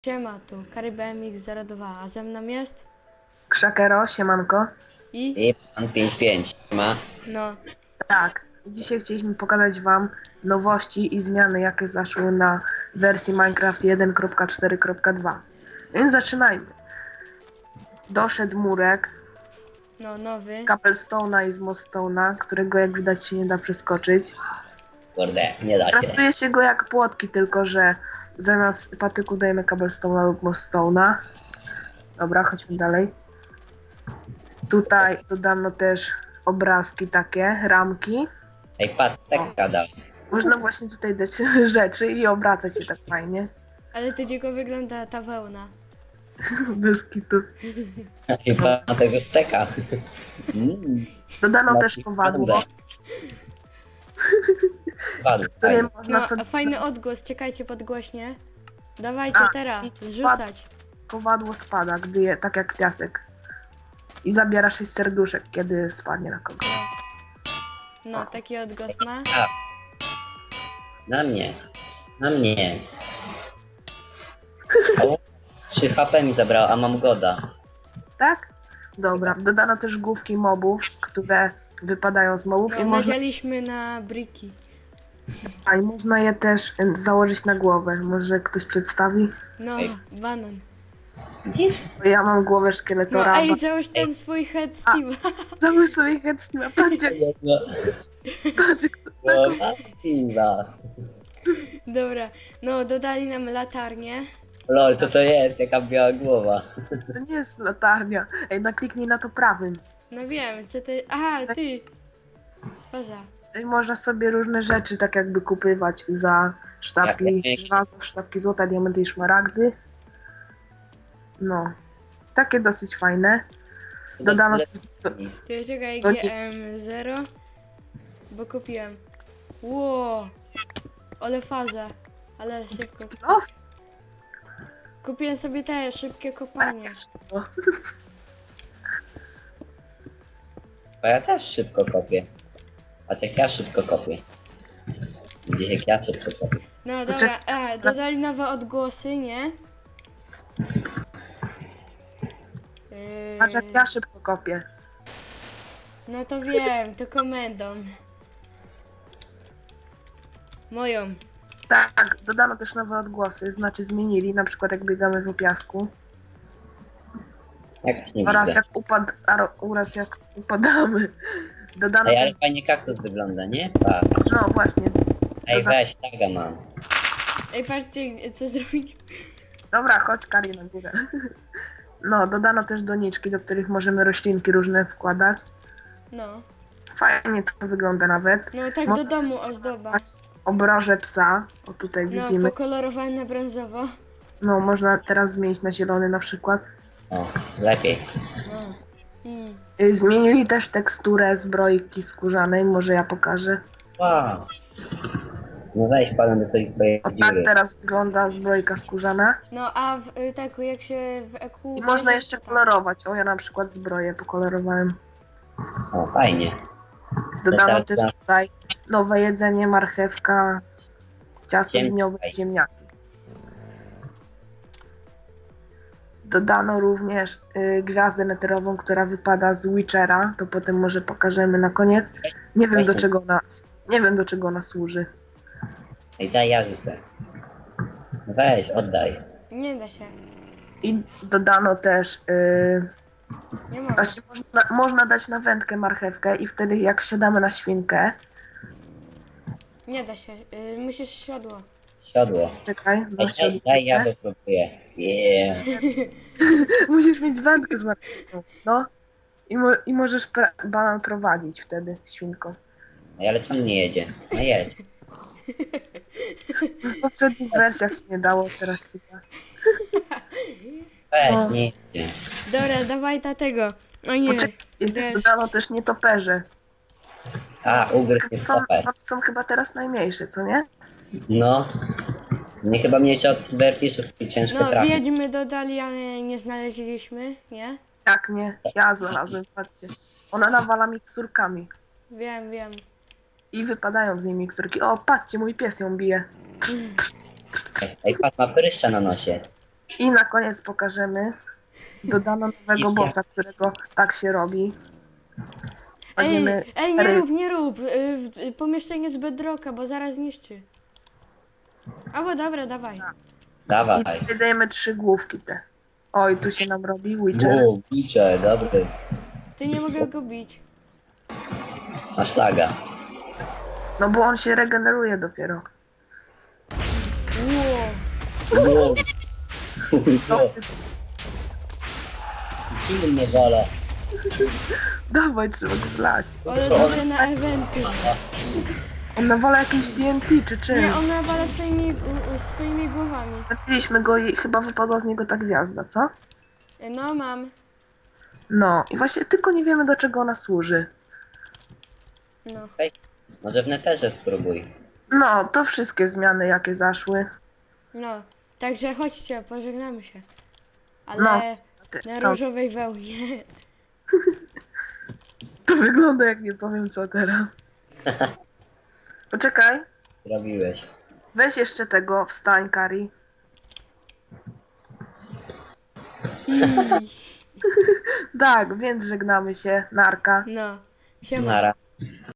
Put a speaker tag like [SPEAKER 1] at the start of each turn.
[SPEAKER 1] Siema, tu KaryBMX02, a ze mną jest?
[SPEAKER 2] Krzakero, siemanko.
[SPEAKER 1] I?
[SPEAKER 3] Pan 55 ma.
[SPEAKER 1] No,
[SPEAKER 2] Tak, dzisiaj chcieliśmy pokazać Wam nowości i zmiany, jakie zaszły na wersji Minecraft 1.4.2. Więc zaczynajmy. Doszedł murek,
[SPEAKER 1] no nowy.
[SPEAKER 2] cobblestone'a i z moststone'a, którego jak widać się nie da przeskoczyć.
[SPEAKER 3] Kurde, nie da się.
[SPEAKER 2] Traktuje się go jak płotki, tylko że zamiast patyku dajemy cobblestone'a lub moststone'a. Dobra, chodźmy dalej. Tutaj dodano też obrazki takie, ramki.
[SPEAKER 3] Ej, patrz, tak gadał.
[SPEAKER 2] Można właśnie tutaj dać rzeczy i obracać się tak fajnie.
[SPEAKER 1] Ale to dzieko wygląda ta wełna.
[SPEAKER 2] Bez kitu.
[SPEAKER 3] Chyba na tego steka.
[SPEAKER 2] Dodano też kowadło,
[SPEAKER 3] Padł,
[SPEAKER 2] którym
[SPEAKER 3] fajnie.
[SPEAKER 2] można
[SPEAKER 1] No,
[SPEAKER 2] sobie...
[SPEAKER 1] a fajny odgłos, czekajcie podgłośnie. Dawajcie
[SPEAKER 2] A,
[SPEAKER 1] teraz,
[SPEAKER 2] i
[SPEAKER 1] zrzucać.
[SPEAKER 2] Kowadło spada, gdy je, tak jak piasek. I zabiera 6 serduszek, kiedy spadnie na kogoś.
[SPEAKER 1] No, taki odgłos ma.
[SPEAKER 3] A. Na mnie. Na mnie. O, 3 HP mi zabrało, a mam goda.
[SPEAKER 2] Tak? Dobra. Dodano też główki mobów, które wypadają z mobów
[SPEAKER 1] No,
[SPEAKER 2] i można,
[SPEAKER 1] nadzieliśmy na briki.
[SPEAKER 2] i można je też założyć na głowę. Może ktoś przedstawi?
[SPEAKER 1] No,
[SPEAKER 3] Ej.
[SPEAKER 1] banan.
[SPEAKER 3] Widzisz?
[SPEAKER 2] Bo ja mam głowę
[SPEAKER 1] No,
[SPEAKER 2] szkieletora.
[SPEAKER 1] ej, załóż ten swój head Steve'a.
[SPEAKER 2] Załóż sobie headsteama. Patrzcie,
[SPEAKER 3] No,
[SPEAKER 2] patrzcie,
[SPEAKER 3] no, Martina.
[SPEAKER 1] Dobra, no, dodali nam latarnię.
[SPEAKER 3] Lol, co to jest? Jaka biała głowa.
[SPEAKER 2] to nie jest latarnia. Ej, nakliknij na to prawym.
[SPEAKER 1] No wiem, co ty... Aha, ty. Poza.
[SPEAKER 2] I można sobie różne rzeczy tak jakby kupywać za sztabki
[SPEAKER 3] Jak
[SPEAKER 2] żelaza, sztabki złota, diamenty i szmaragdy. No. Takie dosyć fajne. Dodano
[SPEAKER 1] Ty czekaj,
[SPEAKER 2] To nie-
[SPEAKER 1] GM0. Bo kupiłem. Ło! Ale faza. Ale szybko.
[SPEAKER 2] O,
[SPEAKER 1] Kupiłem sobie te szybkie kopanie.
[SPEAKER 2] o.
[SPEAKER 3] Bo ja też szybko kopię. Patrz jak ja szybko kopię. Widzisz jak ja szybko kopię.
[SPEAKER 1] No dobra, dodali nowe odgłosy, nie?
[SPEAKER 2] Patrz jak ja szybko kopię.
[SPEAKER 1] No to wiem, to komendą. Moją.
[SPEAKER 2] Tak, dodano też nowe odgłosy, znaczy zmienili, na przykład jak biegamy po piasku.
[SPEAKER 3] Jak nie
[SPEAKER 2] Oraz
[SPEAKER 3] widzę.
[SPEAKER 2] oraz jak upadamy. Dodano
[SPEAKER 3] Ej,
[SPEAKER 2] też,
[SPEAKER 3] ale fajnie kaktus wygląda, nie? Patrz.
[SPEAKER 2] no właśnie.
[SPEAKER 3] Ej, weź, taga mam.
[SPEAKER 1] Ej, patrzcie, co zrobić.
[SPEAKER 2] Dobra, chodź Kari na górę. No, dodano też doniczki, do których możemy roślinki różne wkładać.
[SPEAKER 1] No.
[SPEAKER 2] Fajnie to wygląda nawet.
[SPEAKER 1] No tak do domu ozdoba.
[SPEAKER 2] Obroże psa, o tutaj
[SPEAKER 1] No,
[SPEAKER 2] widzimy.
[SPEAKER 1] pokolorowane na brązowo.
[SPEAKER 2] No, można teraz zmienić na zielony na przykład.
[SPEAKER 3] O, lepiej.
[SPEAKER 1] No.
[SPEAKER 2] Zmienili też teksturę zbrojki skórzanej, może ja pokażę.
[SPEAKER 3] Wow. No weź panem do tej twojej
[SPEAKER 2] O tak
[SPEAKER 3] dziury.
[SPEAKER 2] teraz wygląda zbrojka skórzana.
[SPEAKER 1] No a w taku jak się w EQ...
[SPEAKER 2] I można
[SPEAKER 1] bierze,
[SPEAKER 2] jeszcze
[SPEAKER 1] to tak.
[SPEAKER 2] kolorować. O, ja na przykład zbroję pokolorowałem.
[SPEAKER 3] O, fajnie.
[SPEAKER 2] Dodano
[SPEAKER 3] tak,
[SPEAKER 2] też
[SPEAKER 3] tak.
[SPEAKER 2] tutaj nowe jedzenie, marchewka, ciasto
[SPEAKER 3] Ziemniaki.
[SPEAKER 2] dniowe i ziemniaki. Dodano również gwiazdę neterową, która wypada z Witchera. To potem może pokażemy na koniec. Nie wiem do czego ona służy.
[SPEAKER 3] Ej, daj ja rzucę. Weź, oddaj.
[SPEAKER 1] Nie da się.
[SPEAKER 2] I dodano też
[SPEAKER 1] Nie mogę.
[SPEAKER 2] właśnie można dać na wędkę marchewkę i wtedy jak wsiadamy na świnkę,
[SPEAKER 1] Nie da się. Musisz siodło.
[SPEAKER 3] Siodło.
[SPEAKER 2] czekaj,
[SPEAKER 3] Ej,
[SPEAKER 2] no
[SPEAKER 3] daj ja wypróbuję. Yeah.
[SPEAKER 2] musisz mieć wędkę z marchewką, no. I możesz banan prowadzić wtedy świnką.
[SPEAKER 3] Ej, ale czemu nie jedzie? No jedź.
[SPEAKER 2] W poprzednich wersjach się nie dało, teraz się da.
[SPEAKER 3] Weź,
[SPEAKER 2] No.
[SPEAKER 3] nie jedzie.
[SPEAKER 1] Dobra, dawaj ta tego. O nie.
[SPEAKER 2] Poczekajcie,
[SPEAKER 1] Deszcz.
[SPEAKER 2] dodano też nietoperze.
[SPEAKER 3] A, ugryzł mi
[SPEAKER 2] Są,
[SPEAKER 3] stopę.
[SPEAKER 2] one są chyba teraz najmniejsze, co nie?
[SPEAKER 3] No. Nie chyba mniejsze od cyberfiszów i ciężko
[SPEAKER 1] No,
[SPEAKER 3] trafić.
[SPEAKER 1] wiedźmy dodali, ale nie znaleźliśmy, nie?
[SPEAKER 2] Jak nie? Ja znalazłem, patrzcie. Ona nawala miksturkami.
[SPEAKER 1] Wiem, wiem.
[SPEAKER 2] I wypadają z niej miksturki. O, patrzcie, mój pies ją bije.
[SPEAKER 3] Ej, patrz, ma pryszcza na nosie.
[SPEAKER 2] I na koniec pokażemy. Dodano nowego bossa, którego tak się robi. Kładziemy
[SPEAKER 1] Nie rób. Pomieszczenie z bedrocka, bo zaraz zniszczy. Albo dobra, dawaj.
[SPEAKER 3] Dawaj.
[SPEAKER 2] i wydajemy 3 główki te. Oj, tu się nam robi Witcher.
[SPEAKER 3] Bicze, dobry.
[SPEAKER 1] Ty nie mogę go bić.
[SPEAKER 3] Masz laga.
[SPEAKER 2] No bo on się regeneruje dopiero.
[SPEAKER 1] Ło.
[SPEAKER 3] Wow. Kim mnie wala?
[SPEAKER 2] Dawaj, trzeba go zlać.
[SPEAKER 1] Ale dobre na eventy.
[SPEAKER 2] On nawala jakimś TNT czy czym.
[SPEAKER 1] Nie, on nawala swoimi głowami.
[SPEAKER 2] Zabiliśmy go i chyba wypadła z niego ta gwiazda, co?
[SPEAKER 1] No mam.
[SPEAKER 2] No i właśnie tylko nie wiemy do czego ona służy.
[SPEAKER 1] No.
[SPEAKER 3] Może w neterze spróbuj.
[SPEAKER 2] No, to wszystkie zmiany jakie zaszły.
[SPEAKER 1] No. Także chodźcie, pożegnamy się. Ale
[SPEAKER 2] No.
[SPEAKER 1] na
[SPEAKER 2] Co?
[SPEAKER 1] różowej wełnie.
[SPEAKER 2] To wygląda jak nie powiem co teraz. Poczekaj,
[SPEAKER 3] Zrobiłeś.
[SPEAKER 2] weź jeszcze tego, wstań Kari. Tak, więc żegnamy się. Narka.
[SPEAKER 1] No. Siema.
[SPEAKER 3] Nara.